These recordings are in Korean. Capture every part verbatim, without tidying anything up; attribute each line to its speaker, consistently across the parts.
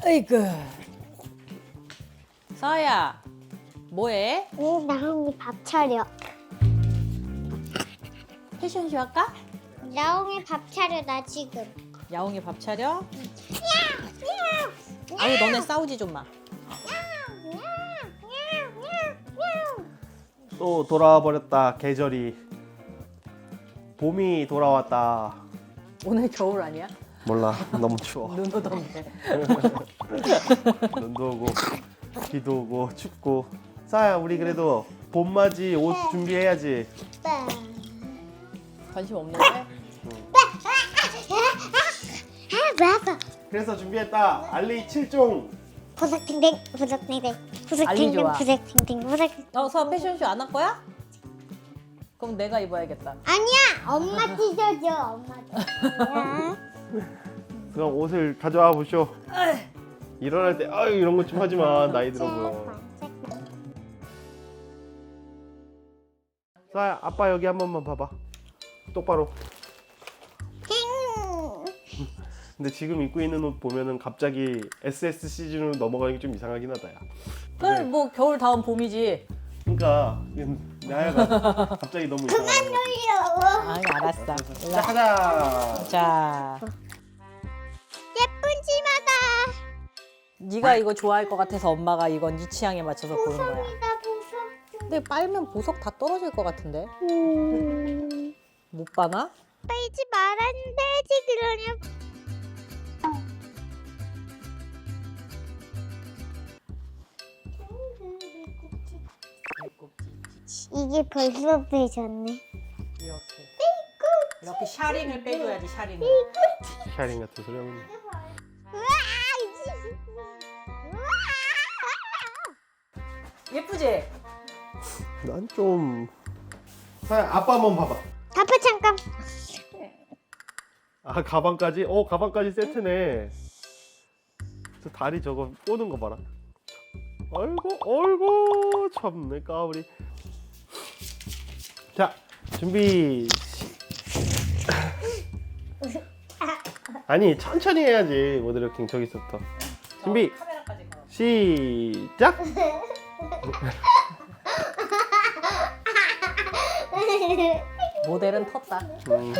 Speaker 1: 아이고. 서아야, 뭐해?
Speaker 2: 응, 나홍이 밥 차려.
Speaker 1: 패션쇼 할까?
Speaker 2: 나홍이 밥 차려, 나 지금.
Speaker 1: 야옹이 밥 차려? 아유, 너네 싸우지 좀 마.
Speaker 3: 또 돌아와 버렸다. 계절이 봄이 돌아왔다.
Speaker 1: 오늘 겨울 아니야?
Speaker 3: 몰라, 너무 추워.
Speaker 1: 눈 오던데.
Speaker 3: 눈도 오고 비도 오고 춥고. 싸야, 우리 그래도 봄맞이 옷 준비해야지.
Speaker 1: 관심 없는데?
Speaker 2: 아, 맞아.
Speaker 3: 그래서 준비했다. 알리 칠 종.
Speaker 2: 부석탱탱, 부석탱탱,
Speaker 1: 알리
Speaker 2: 부석탱탱,
Speaker 1: 좋아.
Speaker 2: 부석탱탱, 부석.
Speaker 1: 어, 서아 패션쇼 안 할 거야? 그럼 내가 입어야겠다.
Speaker 2: 아니야, 엄마 찢어줘, 엄마 찢어줘.
Speaker 3: 그럼 옷을 가져와 보쇼. 일어날 때 아유 이런 거 좀 하지 마. 나이 들어 보여. 싸야, 아빠 여기 한 번만 봐봐. 똑바로. 근데 지금 입고 있는 옷 보면은 갑자기 에스에스 시즌으로 넘어가는 게 좀 이상하긴 하다, 야.
Speaker 1: 그럼 뭐 겨울 다음 봄이지.
Speaker 3: 그러니까 나야가 갑자기 너무 이상한 거 같아.
Speaker 1: 아니, 알았어.
Speaker 3: 자,
Speaker 1: 일로 와.
Speaker 3: 가자.
Speaker 1: 자,
Speaker 2: 예쁜 치마다.
Speaker 1: 네가 이거 좋아할 것 같아서 엄마가 이건 네 취향에 맞춰서 고른 거야.
Speaker 2: 보석이다, 보석.
Speaker 1: 근데 빨면 보석 다 떨어질 것 같은데?
Speaker 2: 음.
Speaker 1: 못 봐나?
Speaker 2: 빼지 말았는데지 그러냐. 이게 벌써 빼졌네.
Speaker 1: 이렇게. 이렇게 샤링을 빼줘야지, 샤링을.
Speaker 3: 샤링 같은 소리 하고 있네.
Speaker 2: 우와!
Speaker 1: 예쁘지?
Speaker 3: 난 좀. 사야, 아빠 한번 봐봐.
Speaker 2: 아빠 잠깐.
Speaker 3: 아, 가방까지? 어, 가방까지 세트네. 저 다리 저거 꼬는 거 봐라. 아이고, 아이고, 참내 까불이. 자, 준비. 아니, 천천히 해야지. 모델킹 저기서부터. 준비.
Speaker 1: 카메라까지 걸어.
Speaker 3: 시작.
Speaker 1: 모델은 텄다.
Speaker 3: 음.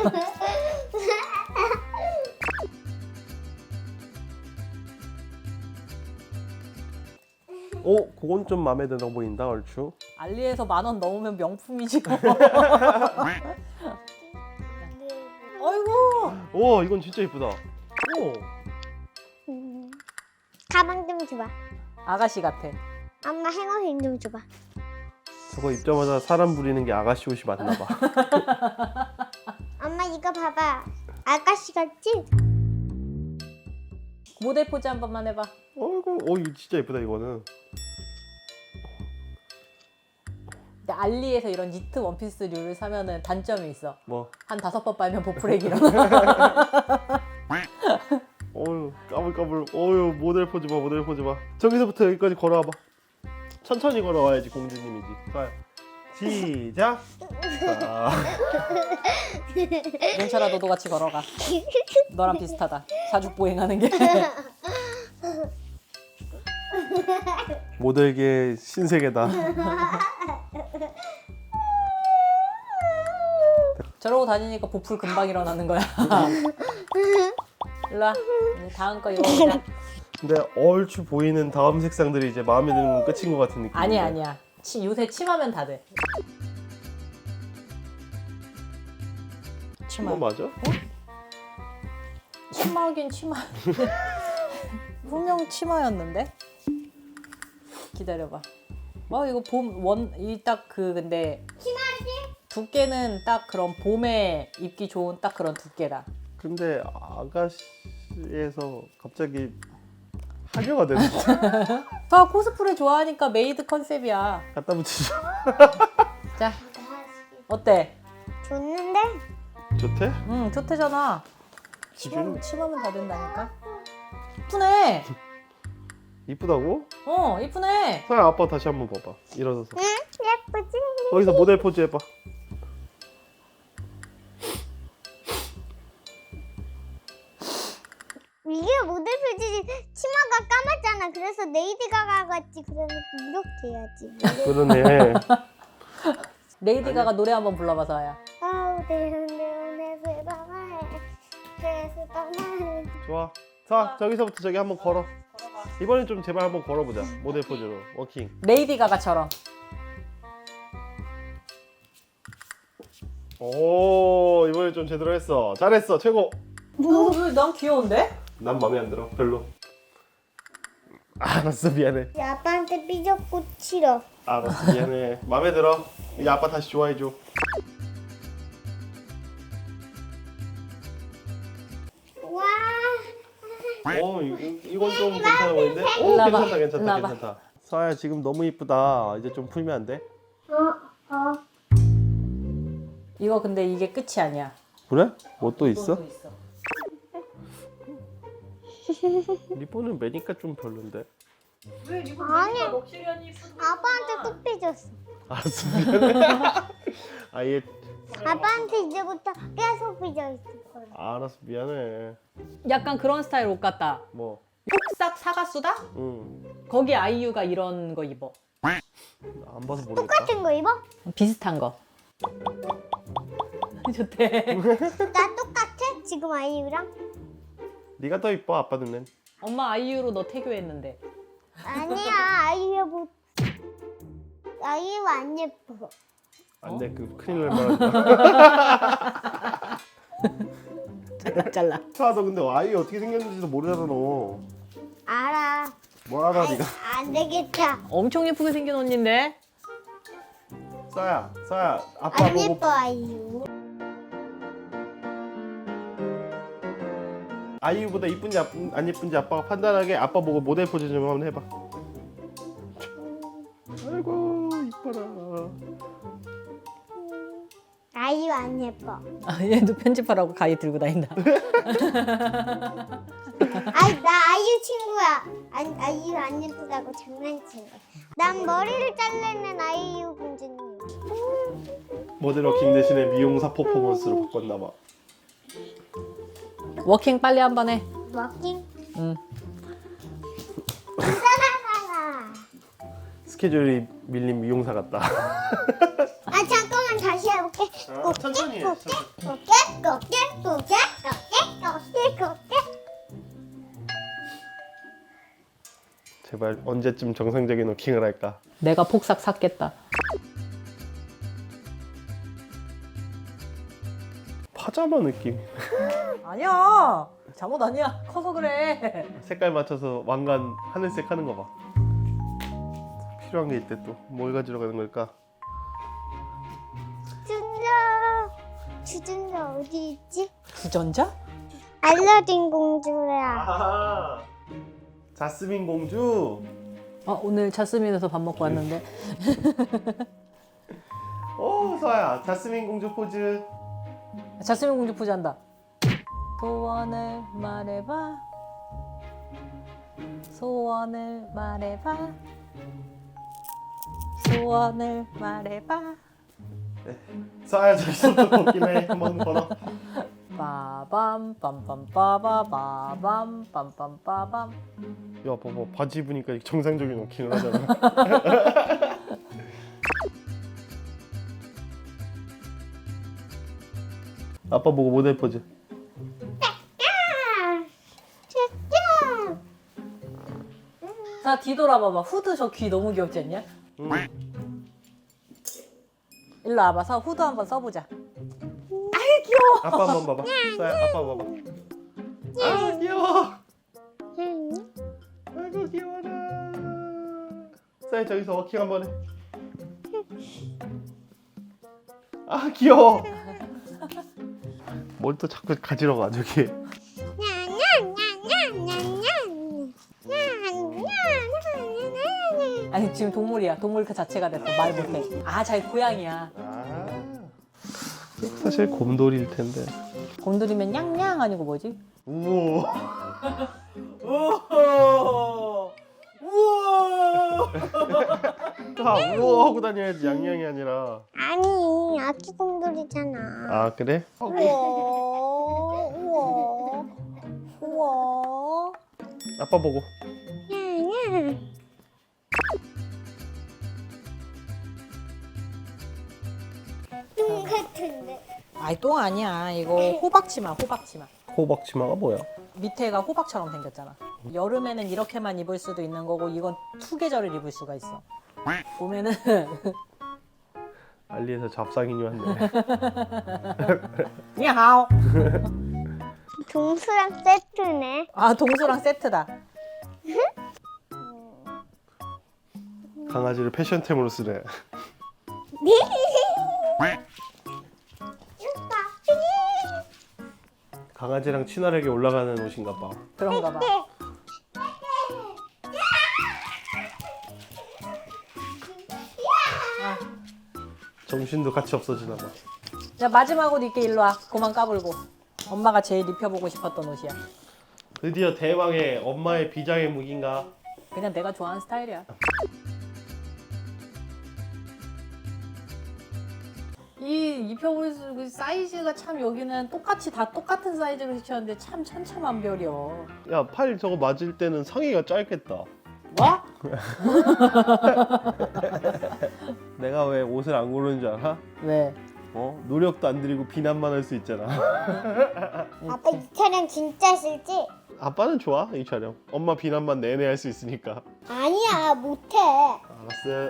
Speaker 3: 오, 그건 좀 마음에 들어 보인다, 얼추.
Speaker 1: 알리에서 만 원 넘으면 명품이지. 아이고.
Speaker 3: 오, 이건 진짜 예쁘다. 오,
Speaker 2: 가방 좀 줘봐.
Speaker 1: 아가씨 같아.
Speaker 2: 엄마 행어힘 좀 줘봐.
Speaker 3: 저거 입자마자 사람 부리는 게 아가씨 옷이 맞나 봐.
Speaker 2: 엄마 이거 봐봐. 아가씨 같지?
Speaker 1: 모델 포즈 한 번만 해봐.
Speaker 3: 어이구, 어, 이거 진짜 예쁘다, 이거는.
Speaker 1: 근데 알리에서 이런 니트 원피스류를 사면은 단점이 있어.
Speaker 3: 뭐,
Speaker 1: 한 다섯 번 빨면 보풀액 일어나.
Speaker 3: 어유, 까불까불. 어유, 모델 포즈 봐, 모델 포즈 봐. 저기서부터 여기까지 걸어와봐. 천천히 걸어와야지 공주님이지. 자, 시작. 자,
Speaker 1: 윤철아, 너도 같이 걸어가. 너랑 비슷하다. 사죽보행하는 게.
Speaker 3: 모델계 신세계다.
Speaker 1: 저러고 다니니까 보풀 금방 일어나는 거야. 일로 와. 이제 다음 거 입어보자.
Speaker 3: 근데 얼추 보이는 다음 색상들이 이제 마음에 드는 건 끝인 것 같은 느낌.
Speaker 1: 아니야, 아니야. 치, 요새 치마면 다 돼. 치마.
Speaker 3: 어, 맞아?
Speaker 1: 치마긴 치마. 분명 치마였는데? 기다려봐. 어, 이거 봄, 원, 이 딱 그, 근데.
Speaker 2: 치마지?
Speaker 1: 두께는 딱 그런 봄에 입기 좋은 딱 그런 두께다.
Speaker 3: 근데 아가씨에서 갑자기 하교가 되는데.
Speaker 1: 저 코스프레 좋아하니까 메이드 컨셉이야.
Speaker 3: 갖다 붙이죠.
Speaker 1: 자, 어때?
Speaker 2: 좋는데?
Speaker 3: 좋대?
Speaker 1: 응, 좋대잖아. 치마, 치마면 다 된다니까. 이쁘네.
Speaker 3: 이쁘다고?
Speaker 1: 어, 이쁘네.
Speaker 3: 서야, 아빠 다시 한번 봐봐. 일어서서.
Speaker 2: 응? 예쁘지?
Speaker 3: 거기서 모델 포즈 해봐.
Speaker 2: 이게 모델 표지 치마 나 그래서 레이디 가가 같지. 그러면 이렇게 해야지.
Speaker 3: 그러네.
Speaker 1: 레이디 가가 노래 한번 불러봐 서아야.
Speaker 2: 아우 내내 세바마에 세바마에.
Speaker 3: 좋아. 자, 저기서부터 저기 한번 걸어. 이번엔 좀 제발 한번 걸어보자. 모델 포즈로 워킹.
Speaker 1: 레이디 가가처럼.
Speaker 3: 오, 이번엔 좀 제대로 했어. 잘했어, 최고.
Speaker 1: 어, 왜난 귀여운데?
Speaker 3: 난 마음에 안 들어. 별로. 알았어, 미안해.
Speaker 2: 아빠한테 삐졌고 싫어.
Speaker 3: 알았어, 미안해. 마음에 들어. 이제 아빠 다시 좋아해줘.
Speaker 2: 와.
Speaker 3: 어, 이, 이건 좀 괜찮아 보이는데? 오,
Speaker 1: 일로 와봐.
Speaker 3: 괜찮다, 괜찮다,
Speaker 1: 일로 와봐.
Speaker 3: 괜찮다. 서아야, 지금 너무 이쁘다. 이제 좀 풀면 안 돼?
Speaker 2: 어 어.
Speaker 1: 이거 근데 이게 끝이 아니야.
Speaker 3: 그래? 뭐 또 있어?
Speaker 1: 또 있어.
Speaker 3: 리본은 매니까 좀 별론데.
Speaker 1: 왜 이거
Speaker 2: 아니.
Speaker 1: 럭셔리하니
Speaker 2: 아빠한테 또 삐졌어.
Speaker 3: 알았어, 미안해. 아얘
Speaker 2: 아빠한테 이제부터 계속 삐져 있을 거야.
Speaker 3: 알았어, 미안해.
Speaker 1: 약간 그런 스타일 옷 같다.
Speaker 3: 뭐,
Speaker 1: 폭삭 사가수다?
Speaker 3: 응.
Speaker 1: 거기 아이유가 이런 거 입어.
Speaker 3: 안 봐서 모르겠다.
Speaker 2: 똑같은 거 입어?
Speaker 1: 비슷한 거. 좋대.
Speaker 2: 나 똑같아? 지금 아이유랑?
Speaker 3: 네가 더 이뻐, 아빠 눈엔.
Speaker 1: 엄마 아이유로 너 태교했는데.
Speaker 2: 아니야 아이유 뭐 아이유 안 예뻐.
Speaker 3: 안 돼, 그 큰일 날 뻔했다.
Speaker 1: 잘라 잘라.
Speaker 3: 차, 너 근데 아이 어떻게 생겼는지도 모르잖아, 너.
Speaker 2: 알아.
Speaker 3: 뭐 알아, 네가.
Speaker 2: 안 되겠다.
Speaker 1: 엄청 예쁘게 생긴 언니인데.
Speaker 3: 싸야, 싸야, 아빠
Speaker 2: 안
Speaker 3: 보고.
Speaker 2: 예뻐 아이유.
Speaker 3: 아이유보다 이쁜지 아- 안 예쁜지 아빠가 판단하게 아빠 보고 모델 포즈 좀 한번 해봐. 아이고, 이뻐라.
Speaker 2: 아이유 안 예뻐.
Speaker 1: 아, 얘도 편집하라고 가위 들고 다닌다.
Speaker 2: 아이 나 아이유 친구야. 안, 아이유 안 예쁘다고 장난친 거야. 난 머리를 자르는 아이유 공주님.
Speaker 3: 모델 워킹 대신에 미용사 퍼포먼스로 바꿨나 봐.
Speaker 1: 워킹 빨리 한 번 해.
Speaker 2: 워킹?
Speaker 1: 응.
Speaker 2: 따라가라.
Speaker 3: 스케줄이 밀린 미용사 같다.
Speaker 2: 아 잠깐만 다시 해볼게.
Speaker 3: 아, 천천히 해,
Speaker 2: 곱게
Speaker 3: 천천히.
Speaker 2: 곱게 곱게 곱게 곱게 곱게 곱게.
Speaker 3: 제발 언제쯤 정상적인 워킹을 할까?
Speaker 1: 내가 폭삭 샀겠다.
Speaker 3: 파자마 느낌.
Speaker 1: 아니야. 잠옷 아니야. 커서 그래.
Speaker 3: 색깔 맞춰서 왕관 하늘색 하는 거 봐. 필요한 게 있대 또. 뭘 가지러 가는 걸까?
Speaker 2: 주전자 주전자 어디 있지?
Speaker 1: 주전자?
Speaker 2: 알라딘 공주야.
Speaker 3: 아, 자스민 공주.
Speaker 1: 아, 오늘 자스민에서 밥 먹고 왔는데.
Speaker 3: 오, 서아야, 자스민 공주 포즈.
Speaker 1: 자스민 공주 포즈 한다. 소원을 말해봐. 소원을 말해봐. 소원을 말해봐.
Speaker 3: 서아야, 저기서부터 걷기네. 한번 걸어.
Speaker 1: 빠밤 빰빰 빠바 빠밤 빰빰 빠밤.
Speaker 3: 야, 봐봐, 바지 입으니까 정상적인 워킹을 하잖아. 아빠 보고 모델 포즈.
Speaker 2: 짜잔.
Speaker 1: 자, 뒤돌아봐봐. 후드 저 귀 너무 귀엽지 않냐?
Speaker 3: 응.
Speaker 1: 일로 와봐서 후드 한번 써보자.
Speaker 3: 아빠 한번 봐봐. 서아야, 아빠 봐봐. 아, 귀여워. 아이고, 귀여워라. 서아야, 저기서 워킹 한번 해. 아, 귀여워. 뭘 또 자꾸 가지러 가, 저기.
Speaker 1: 아니 지금 동물이야. 동물 그 자체가 됐어. 말 못해. 아, 잘 고양이야.
Speaker 3: 아, 사실 곰돌이일 텐데.
Speaker 1: 곰돌이면 냥냥 아니고 뭐지?
Speaker 3: 우와.
Speaker 1: 우와. 우와.
Speaker 3: 다 우와 하고 다녀야지, 양양이 아니라.
Speaker 2: 아니 아기 곰돌이잖아.
Speaker 3: 아, 그래?
Speaker 1: 우와. 우와. 우와.
Speaker 3: 아빠 보고.
Speaker 2: 냐냐 똥 같은데.
Speaker 1: 아이 똥 아니야. 이거 호박치마 호박치마.
Speaker 3: 호박치마가 뭐야?
Speaker 1: 밑에가 호박처럼 생겼잖아. 여름에는 이렇게만 입을 수도 있는 거고 이건 투 계절을 입을 수가 있어. 보면은
Speaker 3: 알리에서 잡상인이 왔네.
Speaker 1: 야하오.
Speaker 2: 동수랑 세트네.
Speaker 1: 아 동수랑 세트다.
Speaker 3: 강아지를 패션템으로 쓰네. 강아지랑 친화력이 올라가는 옷인가 봐.
Speaker 1: 그런가 봐. 아,
Speaker 3: 정신도 같이 없어지나 봐.
Speaker 1: 자 마지막으로 이렇게 일로 와. 그만 까불고. 엄마가 제일 입혀보고 싶었던 옷이야.
Speaker 3: 드디어 대망의 엄마의 비장의 무기인가?
Speaker 1: 그냥 내가 좋아하는 스타일이야. 이 입혀볼 수 그 사이즈가 참 여기는 똑같이 다 똑같은 사이즈로 시켰는데 참 천차만별이여.
Speaker 3: 야, 팔 저거 맞을 때는 상의가 짧겠다.
Speaker 1: 뭐?
Speaker 3: 내가 왜 옷을 안 고르는 줄 알아?
Speaker 1: 왜?
Speaker 3: 어? 노력도 안 들이고 비난만 할 수 있잖아.
Speaker 2: 아빠 이 촬영 진짜 싫지?
Speaker 3: 아빠는 좋아, 이 촬영. 엄마 비난만 내내 할 수 있으니까.
Speaker 2: 아니야 못해.
Speaker 3: 알았어.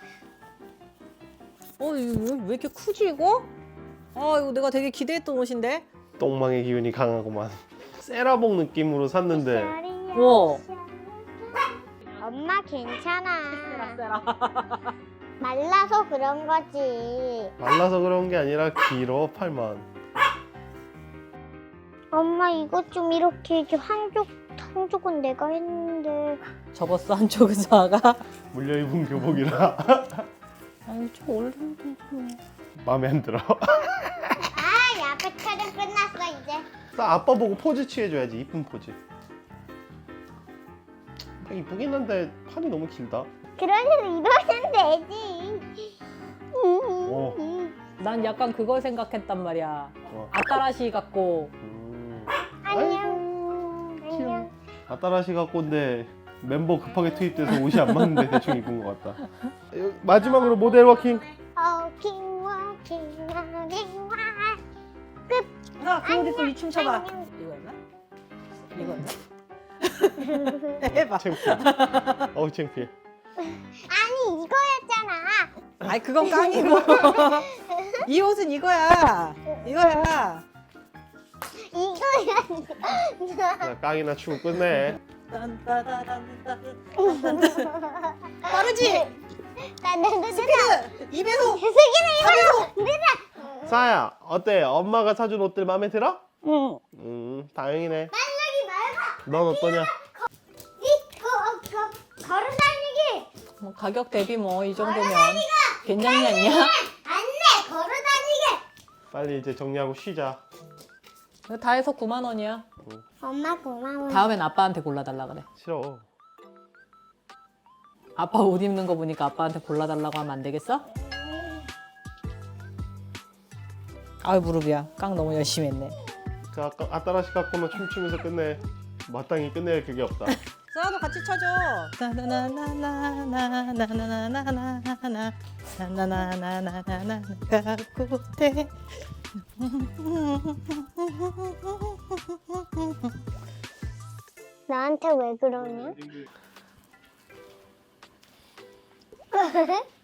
Speaker 1: 어 이거 왜 이렇게 크지 이거? 아 이거 내가 되게 기대했던 옷인데.
Speaker 3: 똥망의 기운이 강하구만. 세라봉 느낌으로 샀는데
Speaker 1: 우와.
Speaker 2: 엄마 괜찮아.
Speaker 1: 세라.
Speaker 2: 말라서 그런 거지.
Speaker 3: 말라서 그런 게 아니라 길어, 팔만.
Speaker 2: 엄마 이거 좀 이렇게 해줘. 한쪽 한쪽은 내가 했는데.
Speaker 1: 접었어 한쪽은 자가.
Speaker 3: 물려입은 교복이라
Speaker 1: 아니 좀 올리면
Speaker 3: 마음에 안 들어.
Speaker 2: 아, 아빠 촬영 끝났어 이제.
Speaker 3: 나 아빠 보고 포즈 취해줘야지, 이쁜 포즈. 이쁘긴 한데 팔이 너무 길다.
Speaker 2: 그러면 이러면 되지.
Speaker 3: 어.
Speaker 1: 난 약간 그걸 생각했단 말이야.
Speaker 3: 어.
Speaker 1: 아따라시 같고.
Speaker 3: 음.
Speaker 2: 안녕. 안녕.
Speaker 3: 아따라시 갖고인데 멤버 급하게 투입돼서 옷이 안 맞는데 대충 입은 것 같다. 마지막으로 모델 워킹.
Speaker 2: 워킹 워킹 워킹 와.
Speaker 1: 아, 그 옷 입고 이 춤 춰봐. 이거였나? 이거였나? 해봐.
Speaker 3: 창피해. 어우 창피해.
Speaker 2: 아니 이거였잖아.
Speaker 1: 아니 그건 깡이고. 이 옷은 이거야. 이거야.
Speaker 2: 이거야.
Speaker 3: 나 깡이나 추고 끝내.
Speaker 1: 빠르지?
Speaker 2: 나나나
Speaker 1: 스피드! 이 배속!
Speaker 2: 세기는 이거.
Speaker 3: 사야 어때? 엄마가 사준 옷들 마음에 들어?
Speaker 1: 응.
Speaker 3: 음 다행이네.
Speaker 2: 만나기 말고.
Speaker 3: 넌 어떠냐?
Speaker 2: 이거 걸어 다니기.
Speaker 1: 뭐 가격 대비 뭐 이 정도면 괜찮지 않냐?
Speaker 2: 안돼 걸어 다니기.
Speaker 3: 빨리 이제 정리하고 쉬자.
Speaker 1: 이거 다 해서 구만 원이야.
Speaker 2: 엄마 고마워.
Speaker 1: 다음엔 아빠한테 골라달라 그래.
Speaker 3: 싫어.
Speaker 1: 아빠 옷 입는 거 보니까 아빠한테 골라달라고 하면 안 되겠어? 아유 무릎이야. 깡 너무 열심히 했네.
Speaker 3: 그 아까 아따라시 갖고는 춤추면서 끝내. 마땅히 끝낼 그게 없다.
Speaker 1: 서아도 같이 쳐줘. 나나나나나나나나나나나나나 나나나나나나나 갖고 돼.
Speaker 2: 나한테 왜 그러냐?